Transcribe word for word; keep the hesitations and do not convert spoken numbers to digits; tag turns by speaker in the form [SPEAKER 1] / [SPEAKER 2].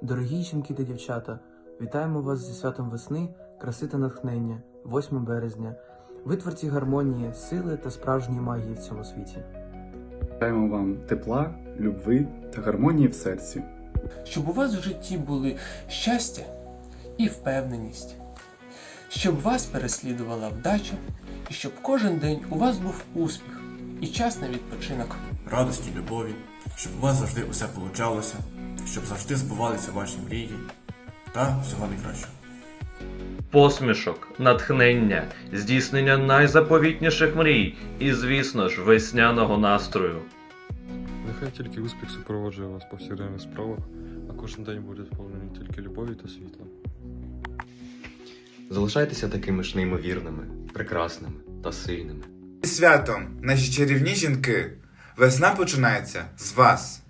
[SPEAKER 1] Дорогі жінки та дівчата, вітаємо вас зі святом весни, краси та натхнення, восьмого березня. Ви творці гармонії, сили та справжньої магії в цьому світі.
[SPEAKER 2] Бажаємо вам тепла, любви та гармонії в серці.
[SPEAKER 3] Щоб у вас в житті були щастя і впевненість, щоб вас переслідувала вдача, і щоб кожен день у вас був успіх і час на відпочинок.
[SPEAKER 4] Радості, любові, щоб у вас завжди усе получалося, щоб завжди збувалися ваші мрії та всього найкращого.
[SPEAKER 5] Посмішок, натхнення, здійснення найзаповітніших мрій і, звісно ж, весняного настрою.
[SPEAKER 6] Нехай тільки успіх супроводжує вас по повсякденних справах, а кожен день буде сповнений тільки любові та світла.
[SPEAKER 7] Залишайтеся такими ж неймовірними, прекрасними та сильними.
[SPEAKER 8] Зі святом, наші чарівні жінки! Весна починається з вас!